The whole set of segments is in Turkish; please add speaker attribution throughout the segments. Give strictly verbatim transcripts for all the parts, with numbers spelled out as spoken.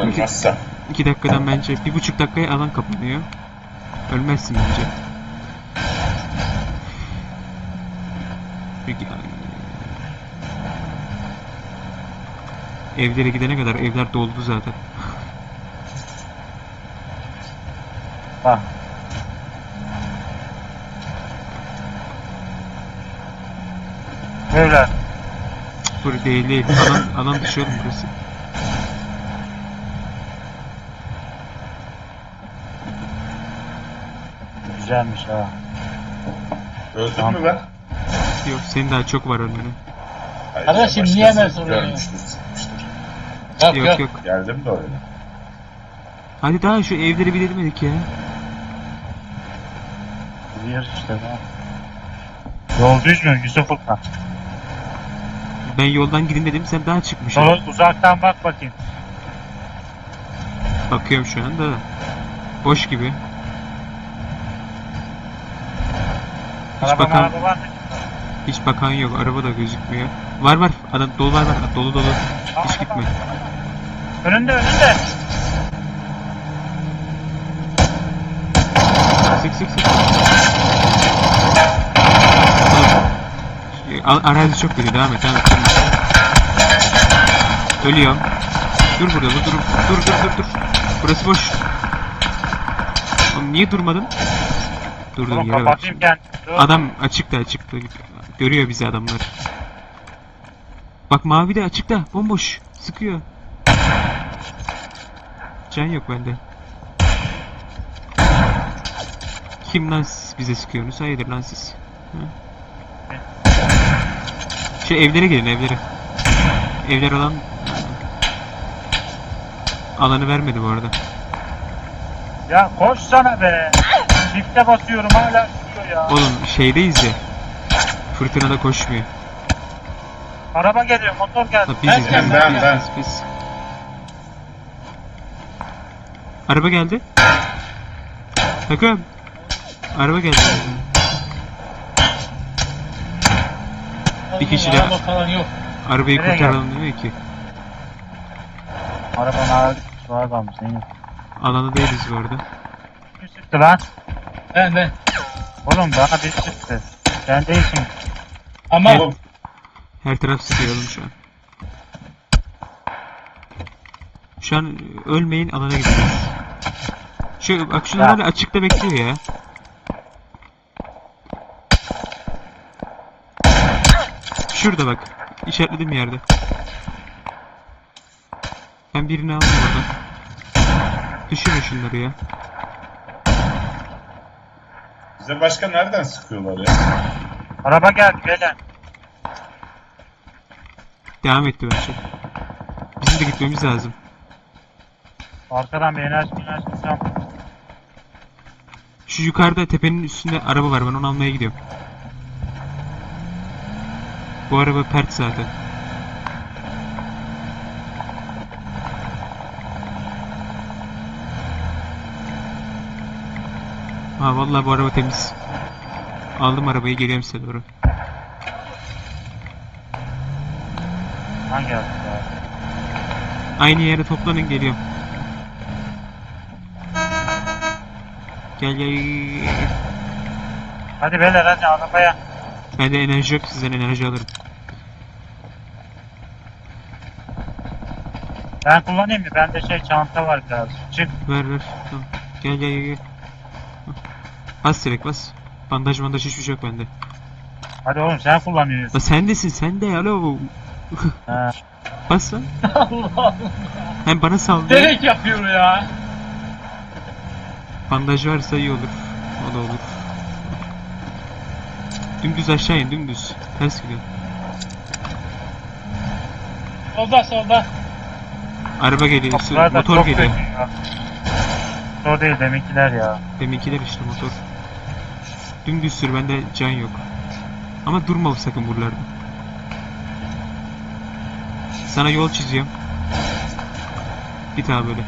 Speaker 1: Ölmezsem.
Speaker 2: iki dakikadan bence bir buçuk dakikaya alan kapanıyor. Ölmezsin bence. Peki, evlere gidene kadar evler doldu zaten.
Speaker 3: Bak. Böyle.
Speaker 2: Burası değil değil. Alan, alan dışı oğlum burası.
Speaker 3: Güzelmiş ha.
Speaker 1: Öldün
Speaker 3: Tamam.
Speaker 1: mü ben?
Speaker 2: Yok senin daha çok var önüne.
Speaker 1: Hayır,
Speaker 4: Kardeşim,
Speaker 1: başkası
Speaker 4: niye hemen soruyorsun?
Speaker 1: Görmüştür, sıkmıştır.
Speaker 4: Yok
Speaker 2: Yok
Speaker 4: yok.
Speaker 2: yok.
Speaker 1: Geldim de öyle.
Speaker 2: Hadi daha şu evleri bir demedik ya.
Speaker 3: Gidiyoruz işte ya. Yol düz mü Yusuf Furkan?
Speaker 2: Ben yoldan gidin dedim sen daha çıkmışsın.
Speaker 3: Yol uzaktan bak bakayım.
Speaker 2: Bakıyorum şu anda. Boş gibi. Hiç
Speaker 3: Araba
Speaker 2: bakan,
Speaker 3: araba var mı?
Speaker 2: hiç bakan yok. Araba da gözükmüyor. Var var. Adam dolu var var. Dolu dolu.
Speaker 3: Aa,
Speaker 2: Hiç gitme.
Speaker 3: Önünde önünde.
Speaker 2: Sık sık sık. Oğlum, a- arazi çok kötü. Devam et. Devam et. Ölüyorum. Dur burada. Dur dur. Dur dur dur dur. Burası boş. Oğlum niye durmadın? Durdum
Speaker 3: Oğlum
Speaker 2: yere bak.
Speaker 3: kapatayım kendimi. Dur.
Speaker 2: Adam açıkta açıkta. Görüyor bizi adamlar. Bak mavi de açıkta. Bomboş. Sıkıyor. Can yok bende. Kim lan siz bize sıkıyorsunuz? Hayırdır lan siz? Hı? Şu evlere gelin evlere. Evler alan alanı vermedi bu arada.
Speaker 3: Ya koş sana be. Çifte basıyorum hala çıkıyor ya.
Speaker 2: Oğlum şeydeyiz ya. Fırtınada koşmuyor.
Speaker 3: Araba geliyor, motor geldi.
Speaker 2: Ha, biziz,
Speaker 1: Ben,
Speaker 2: biziz,
Speaker 1: ben,
Speaker 2: biz,
Speaker 1: ben.
Speaker 2: biz, biz. Araba geldi. Takım. Araba geldi. Bir kişi de-
Speaker 4: Araba falan yok.
Speaker 2: Arabayı
Speaker 3: Nereye
Speaker 2: kurtaralım demiyor ki.
Speaker 3: Arabanın ağır suğa kalmış. Neyin?
Speaker 2: Alanda değiliz bu arada.
Speaker 3: Kim sıktı lan?
Speaker 4: Ben ben.
Speaker 3: Oğlum bana bir sıktı. Sen değilsin.
Speaker 4: Ama
Speaker 1: Oğlum
Speaker 2: Her taraf sıkıyorum şu an. Şu an ölmeyin alana gidiyoruz. Şu bak şunlar
Speaker 3: Ya.
Speaker 2: hala açıkta bekliyor ya. Şurada bak. İşaretledim yerde. Ben birini aldım oradan. Düşürün şunları ya.
Speaker 1: bize başka nereden sıkıyorlar ya?
Speaker 3: Araba geldi beyler.
Speaker 2: Devam etti bence. Bizim de gitmemiz lazım.
Speaker 3: Arkadan bir enerji enerji sen.
Speaker 2: Şu yukarıda tepenin üstünde araba var. Ben onu almaya gidiyorum. Bu araba pert zaten. Ha vallahi bu araba temiz. Aldım arabayı geliyorum size doğru.
Speaker 3: Hangi araba ya?
Speaker 2: Aynı yere toplanın geliyorum. Gel gel.
Speaker 3: Hadi beyler hadi arabaya.
Speaker 2: Bende enerji yok, sizden enerji alırım.
Speaker 3: Ben kullanayım mı? Bende şey çanta var biraz. Çık.
Speaker 2: Ver ver. Tamam. Gel gel gel. gel. Bas direkt bas. Bandaj bandaj hiçbir şey yok bende.
Speaker 3: Hadi oğlum sen kullanıyorsun.
Speaker 2: La sendesin sen de alo.
Speaker 3: Ha.
Speaker 2: Bas lan.
Speaker 4: Allah Allah.
Speaker 2: Hem bana saldı.
Speaker 4: Direkt yapıyor ya.
Speaker 2: Bandaj varsa iyi olur. O da olur. Dümdüz aşağı in dümdüz. Ters gidiyor.
Speaker 4: Solda solda.
Speaker 2: Araba geliyor. su-
Speaker 3: Kapılar da
Speaker 2: Motor
Speaker 3: çok
Speaker 2: geliyor.
Speaker 3: kötü ya. Motor değil deminkiler ya.
Speaker 2: Deminkiler işte motor. Dümdüz sür bende can yok. Ama durma sakın buralarda. Sana yol çiziyorum. Git abi böyle.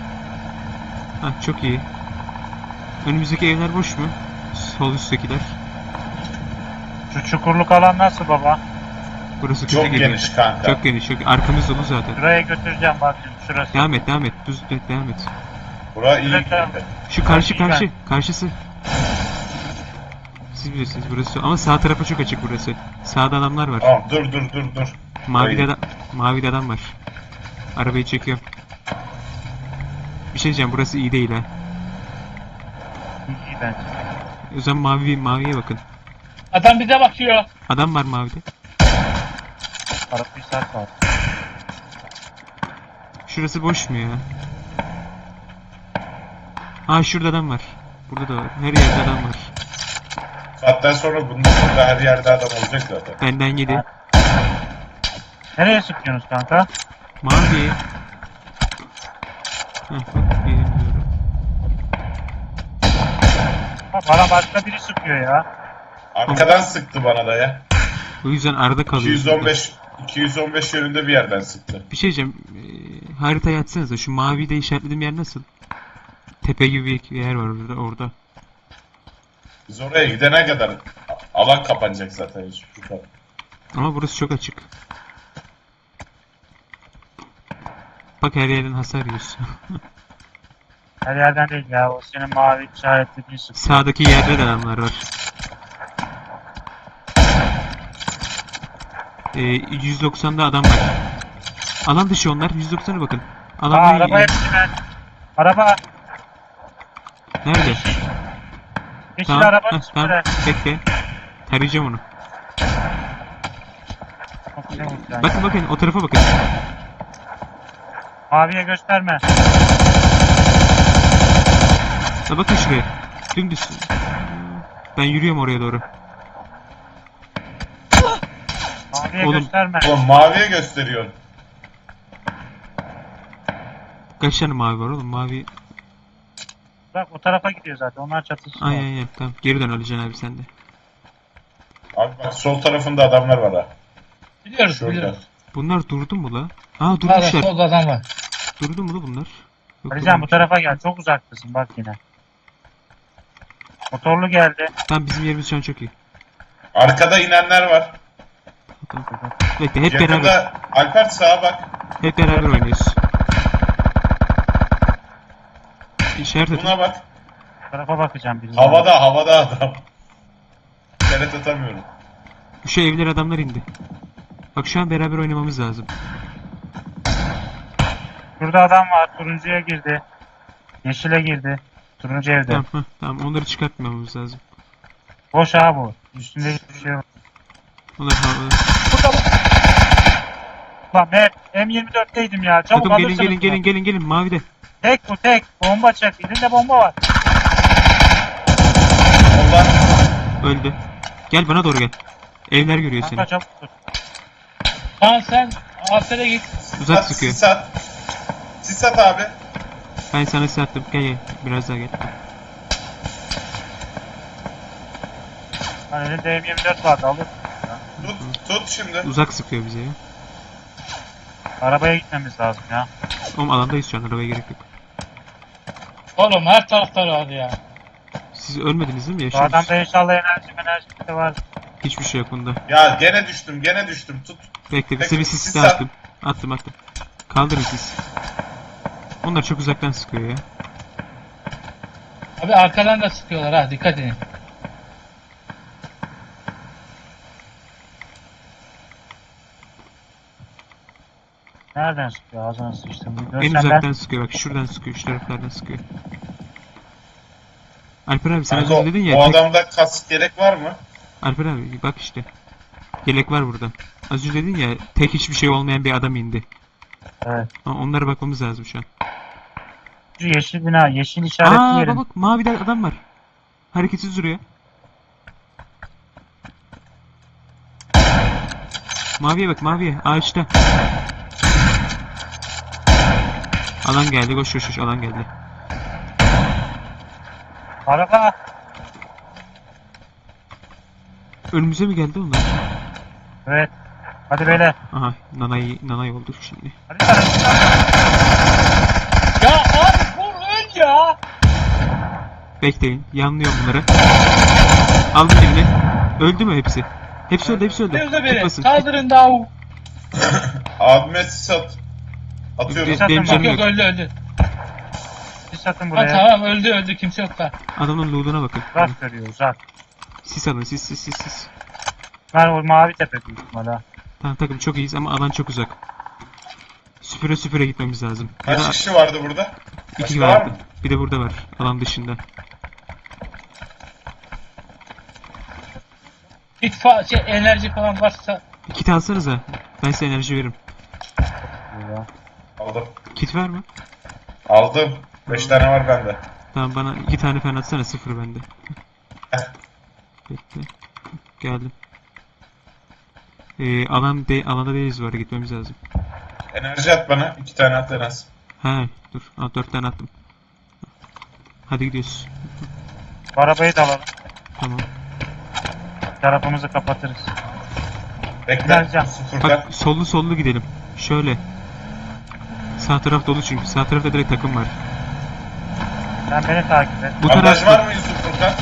Speaker 2: Hah çok iyi. Önümüzdeki evler boş mu? Sol üsttekiler.
Speaker 3: Şu çukurluk alan nasıl baba?
Speaker 2: Burası kötü
Speaker 1: Çok
Speaker 2: geliyor.
Speaker 1: geniş kanka.
Speaker 2: Çok geniş. Çok... Arkamız dolu zaten.
Speaker 3: Şuraya götüreceğim bak şimdi şurası.
Speaker 2: Devam et, devam et. Düz et, devam et.
Speaker 1: Bura iyi
Speaker 3: Evet,
Speaker 1: girdi.
Speaker 2: Şu karşı
Speaker 3: İyi
Speaker 2: karşı.
Speaker 3: ben.
Speaker 2: Karşısı. Siz bilirsiniz burası. Ama sağ tarafa çok açık burası. Sağda adamlar var.
Speaker 1: Tamam dur dur dur dur.
Speaker 2: Mavi
Speaker 1: Hayır.
Speaker 2: adam, mavi adam var. Arabayı çekiyorum. Bir şey diyeceğim, burası iyi değil ha.
Speaker 3: İyi, iyi bence.
Speaker 2: O zaman mavi, maviye bakın.
Speaker 4: Adam bize bakıyor.
Speaker 2: Adam var mavide.
Speaker 3: Arap bir saat var.
Speaker 2: Şurası boş mu ya? Ha şurada adam var. Burada da var. Her yerde adam var.
Speaker 1: Saatten sonra bunun burada her yerde adam olacak zaten.
Speaker 2: Benden yedi.
Speaker 3: Nereye sıkıyorsunuz kanka?
Speaker 2: Mavi. Heh, bak bilmiyorum.
Speaker 3: Ha, bana başka biri sıkıyor ya.
Speaker 1: Arkadan sıktı bana da ya.
Speaker 2: O yüzden arada kalıyor.
Speaker 1: iki yüz on beş iki yüz on beş yönünde bir yerden sıktı.
Speaker 2: Bir şey diyeceğim. Ee, haritayı açsanıza. Şu mavi de işaretlediğim yer nasıl? Tepe gibi bir yer var orada. orada.
Speaker 1: Biz oraya gidene kadar alan kapanacak zaten hiç yukarı.
Speaker 2: Ama burası çok açık. Bak her yerden hasar yiyorsun.
Speaker 3: Her yerden değil ya. O senin mavi işaretlediğin sıkıyor.
Speaker 2: Sağdaki yerde de adamlar var. Ee, yüz doksan'da adam var. Alan dışı onlar. yüz doksan'a bakın.
Speaker 3: Aa,
Speaker 2: Alan
Speaker 3: araba hepsi ben. Araba.
Speaker 2: nerede?
Speaker 3: Yeşil
Speaker 2: Tamam.
Speaker 3: araba
Speaker 2: Heh, tamam.
Speaker 3: üstüne.
Speaker 2: Bekle. Tarayacağım onu.
Speaker 3: Çok şey oldu yani.
Speaker 2: Bakın bakın o tarafa bakın.
Speaker 3: Maviye gösterme.
Speaker 2: Ha, bakın şuraya. Dümdüz. Ben yürüyorum oraya doğru.
Speaker 3: Maviye
Speaker 2: Oğlum.
Speaker 3: gösterme.
Speaker 1: Oğlum maviye gösteriyorsun.
Speaker 2: Kaç tane mavi var oğlum? Mavi.
Speaker 3: Bak o tarafa gidiyor zaten. Onlar çatışıyor.
Speaker 2: Ay ay ay. Tamam. Geri dön Alican abi sen de.
Speaker 1: Abi bak sol tarafında adamlar var ha.
Speaker 4: Biliyoruz
Speaker 1: Şurada.
Speaker 4: biliyoruz.
Speaker 2: Bunlar durdu mu la? Aa
Speaker 4: Sağda
Speaker 2: durmuşlar.
Speaker 4: solda adam var.
Speaker 2: Durdu mu la bunlar? Yok,
Speaker 3: Alican bu
Speaker 2: durmamış.
Speaker 3: tarafa gel. Çok uzaktasın bak yine. Motorlu geldi.
Speaker 2: Tamam bizim yerimiz şu an çok iyi.
Speaker 1: Arkada inenler var.
Speaker 2: Tamam. Bekle hep beraber.
Speaker 1: Yakında Alper sağa bak.
Speaker 2: Hep beraber oynuyoruz. İşaret atın.
Speaker 1: Buna bak.
Speaker 3: Bu tarafa bakacağım bir.
Speaker 1: Havada havada adam. İşaret atamıyorum.
Speaker 2: Şu evler adamlar indi. Bak şu an beraber oynamamız lazım.
Speaker 3: Şurada adam var. Turuncuya girdi. Yeşile girdi. Turuncu evde.
Speaker 2: Tamam heh, tamam onları çıkartmamamız lazım.
Speaker 3: Boş ha bu. Üstünde hiçbir şey yok.
Speaker 2: Onlar havada.
Speaker 3: Burada bak. Lan Mert M yirmi dörtteydim ya. Çabuk
Speaker 2: Takım gelin
Speaker 3: alırsınız
Speaker 2: gelin
Speaker 3: bunu.
Speaker 2: gelin gelin gelin mavide.
Speaker 3: Tek bu tek. Bomba çek. Elinde bomba var.
Speaker 1: Ondan
Speaker 2: Öldü. Gel bana doğru gel. Evler görüyor seni.
Speaker 3: Kanka çabuk dur.
Speaker 4: Tamam sen Alper'e git.
Speaker 2: Uzak
Speaker 1: at,
Speaker 2: sıkıyor.
Speaker 1: sis at. Sis at abi.
Speaker 2: Ben sana size attım. Gel gel. Biraz daha gel.
Speaker 3: Hani elinde M yirmi dört vardı. Alır.
Speaker 1: Tut, tut şimdi.
Speaker 2: Uzak sıkıyor bize ya.
Speaker 3: Arabaya gitmemiz lazım ya.
Speaker 2: Oğlum alandayız şu an. Arabaya gerek yok.
Speaker 4: Oğlum her tarafta var ya.
Speaker 2: Siz ölmediniz değil mi?
Speaker 3: Bu
Speaker 2: Yaşıyorsunuz.
Speaker 3: adamda inşallah enerji enerji de var.
Speaker 2: Hiçbir şey yok bunda.
Speaker 1: Ya gene düştüm gene düştüm tut.
Speaker 2: Bekle bir
Speaker 1: Peki,
Speaker 2: seviye sis
Speaker 1: sis
Speaker 2: daha
Speaker 1: at.
Speaker 2: attım. Attım attım. Kaldırın siz. Onlar çok uzaktan sıkıyor ya.
Speaker 4: Abi arkadan da sıkıyorlar ha dikkat edin.
Speaker 3: Nereden sıkıyor? Ağzına sıçtım. Bir
Speaker 2: En
Speaker 3: görsen
Speaker 2: uzaktan
Speaker 3: ben.
Speaker 2: sıkıyor bak şuradan sıkıyor şu taraflardan sıkıyor. Alper abi sen az
Speaker 1: Kanka,
Speaker 2: önce dedin ya
Speaker 1: o
Speaker 2: tek-
Speaker 1: adamda kask gerek var mı?
Speaker 2: Alper abi bak işte. Yelek var burada. Az önce dedin ya tek hiçbir şey olmayan bir adam indi.
Speaker 3: Evet.
Speaker 2: Ama onlara bakmamız lazım şu an.
Speaker 3: Şu yeşil bina. Yeşil işaretli
Speaker 2: Aa
Speaker 3: yerin.
Speaker 2: bak bak mavide adam var. Hareketsiz duruyor. Maviye bak maviye ağaçta. Alan geldi koş koş koş alan geldi.
Speaker 3: Araba.
Speaker 2: Önümüze mi geldi onlar?
Speaker 3: Evet. Hadi beyler.
Speaker 2: Aha nanay nanay oldu şimdi.
Speaker 3: Hadi hadi.
Speaker 4: Ya abi vur öl ya.
Speaker 2: Bekleyin yanlıyorum bunları. Aldım eline. Öldü mü hepsi? Hepsi öldü, hepsi öldü.
Speaker 4: Nerede biri?
Speaker 2: Tutmasın.
Speaker 4: Kaldırın davu.
Speaker 1: Abime sis at. Atıyorum.
Speaker 2: Be- benim
Speaker 3: Bak,
Speaker 2: canım
Speaker 4: Yok
Speaker 2: yok.
Speaker 4: öldü öldü.
Speaker 3: Siz atın
Speaker 4: Ha,
Speaker 3: buraya.
Speaker 4: tamam öldü öldü kimse yok da.
Speaker 2: Adamın loot'una bakın.
Speaker 3: Uzak görüyor uzak.
Speaker 2: Sis alın, sis sis sis sis.
Speaker 3: Ben o mavi tepe büyük ihtimalle. ha.
Speaker 2: Tamam takım çok iyiyiz ama alan çok uzak. Süpüre süpüre gitmemiz lazım. Ya
Speaker 1: Kaç
Speaker 2: da
Speaker 1: kişi vardı burada?
Speaker 2: iki
Speaker 1: Başka var
Speaker 2: var.
Speaker 1: mı?
Speaker 2: Bir de burada var. Alan dışında.
Speaker 4: İtfa şey, enerji falan varsa
Speaker 2: Kit alsanıza. Ben size enerji veririm.
Speaker 3: Burada.
Speaker 1: Aldım.
Speaker 2: Kit var mı?
Speaker 1: Aldım. Beş tane var bende.
Speaker 2: Tamam bana iki tane falan atsana, sıfır bende.
Speaker 1: Heh.
Speaker 2: Bekle. Geldim. Ee, alan de alanda değiliz, var gitmemiz lazım.
Speaker 1: Enerji at bana. İki tane at en az.
Speaker 2: He dur. Aa, dört tane attım. Hadi gidiyoruz.
Speaker 3: Bu arabayı da alalım.
Speaker 2: Tamam.
Speaker 3: Tarafımızı kapatırız.
Speaker 1: Bekle.
Speaker 3: Geleceğim.
Speaker 1: Sıfırdan.
Speaker 2: Bak sollu sollu gidelim. Şöyle. Sağ taraf dolu çünkü. Sağ tarafta direkt takım var.
Speaker 3: Sen beni takip et.
Speaker 2: Bu
Speaker 1: Bandaj
Speaker 2: taraf...
Speaker 1: var mı Yusuf Furkan?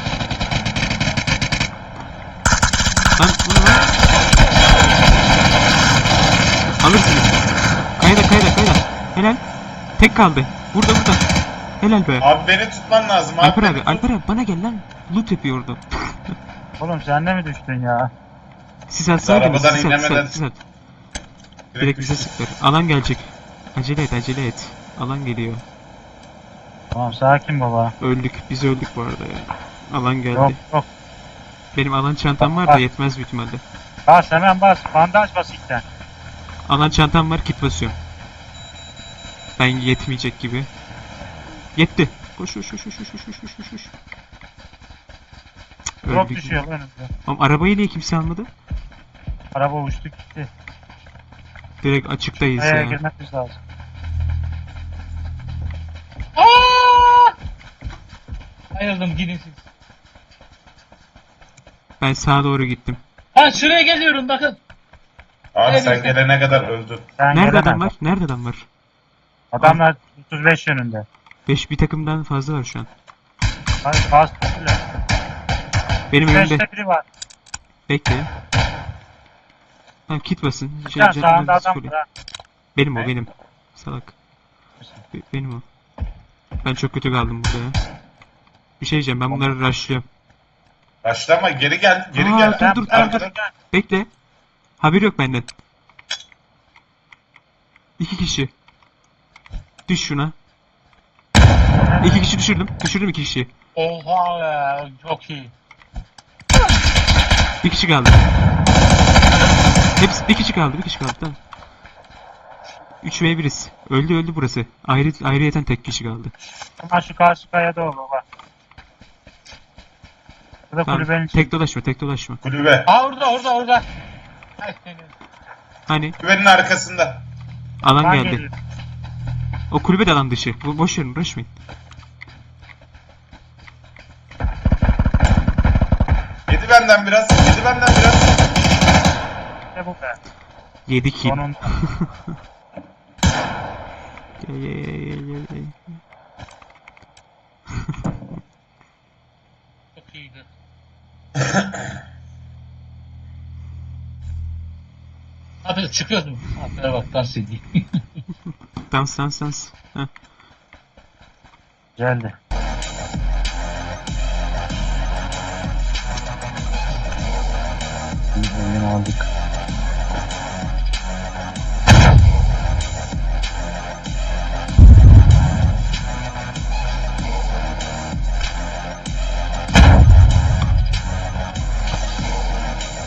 Speaker 2: Lan bu ne lan? Alırsınız. Kayda kayda kayda. Helal. Tek kaldı. Burada burada. Helal be.
Speaker 1: Abi beni tutman lazım. Abi
Speaker 2: Alper
Speaker 1: beni
Speaker 2: abi,
Speaker 1: tut.
Speaker 2: Alper abi bana gel lan. Loot yapıyor orada.
Speaker 3: Oğlum sen de mi düştün ya?
Speaker 2: Siz atsaydınız.
Speaker 1: Arabadan
Speaker 2: Siz at, siz
Speaker 1: inemeden-
Speaker 2: at, siz at. Direkt bize sıklar. Alan gelecek. Acele et, acele et. Alan geliyor.
Speaker 3: Tamam sakin baba.
Speaker 2: Öldük. Biz öldük bu arada ya. Alan geldi.
Speaker 3: Yok yok.
Speaker 2: Benim alan çantam var da yetmez büyük ihtimalle.
Speaker 3: Bas hemen bas. Bandaj bas ilkten.
Speaker 2: Alan çantam var, kit basıyorum. Ben yetmeyecek gibi. Yetti. Koş koş koş koş koş koş koş koş koş. Cık,
Speaker 3: Drop
Speaker 2: öldük.
Speaker 3: düşüyor önümüzde.
Speaker 2: Oğlum arabayı niye kimse almadı?
Speaker 3: Araba uçtu gitti.
Speaker 2: Direkt açıktayız
Speaker 3: Buraya
Speaker 2: ya.
Speaker 3: girmemiz lazım.
Speaker 4: Aa! Ayrıldım gidin siz.
Speaker 2: Ben sağa doğru gittim.
Speaker 4: Ha şuraya geliyorum bakın.
Speaker 1: Abi sen
Speaker 4: Evet.
Speaker 1: gelene kadar öldün.
Speaker 3: Sen
Speaker 2: Nerede
Speaker 3: gelemez.
Speaker 2: adam var? Nerede adam var?
Speaker 3: Adamlar otuz beş yönünde.
Speaker 2: beş bir takımdan fazla var şu an.
Speaker 3: Hadi bas. Öyle.
Speaker 2: Benim önümde.
Speaker 3: beşte biri var.
Speaker 2: Bekle. Tamam kit basın. Şey,
Speaker 3: Sen
Speaker 2: can-
Speaker 3: sağında
Speaker 2: can-
Speaker 3: adam var ha.
Speaker 2: Benim o
Speaker 1: Ne?
Speaker 2: benim. Salak. Be- benim o. Ben çok kötü kaldım burada ya. Bir şey diyeceğim, ben bunları rushlıyorum.
Speaker 1: Başlama geri gel. Geri
Speaker 2: Aa,
Speaker 1: gel.
Speaker 2: dur,
Speaker 3: Sen
Speaker 2: dur, dur,
Speaker 1: Arkadan-
Speaker 2: dur. Bekle. Haber yok benden. İki kişi. Düş şuna. İki kişi düşürdüm. Düşürdüm iki kişiyi.
Speaker 4: Oha ya çok iyi.
Speaker 2: Bir kişi kaldı. Hepsi bir kişi kaldı. Bir kişi kaldı. Tamam. üç ve biriz. Öldü öldü burası. Ayrı ayrıyeten tek kişi kaldı.
Speaker 3: Ama şu karşı kayada o baba. Burada
Speaker 2: Tamam.
Speaker 3: kulübenin içinde.
Speaker 2: Tek dolaşma, tek dolaşma.
Speaker 1: Kulübe.
Speaker 4: Aa orada orada orada. Ay, seni.
Speaker 2: Hani
Speaker 1: Kulübenin arkasında.
Speaker 2: alan
Speaker 3: Ben
Speaker 2: geldi.
Speaker 3: geliyorum.
Speaker 2: O kulübe de alan dışı. Bo- Boş verin, uğraşmayın.
Speaker 1: Yedi benden biraz. Yedi benden biraz.
Speaker 3: İşte bu be.
Speaker 2: Yedi kill.
Speaker 3: Sonunda.
Speaker 2: Gel, gel, gel, gel, gel.
Speaker 4: Çok iyiydi. Hadi çıkıyoruz mu? Aferin bak dans edeyim.
Speaker 2: Dans dans dans. Heh.
Speaker 3: Geldi. Bir bölüm aldık.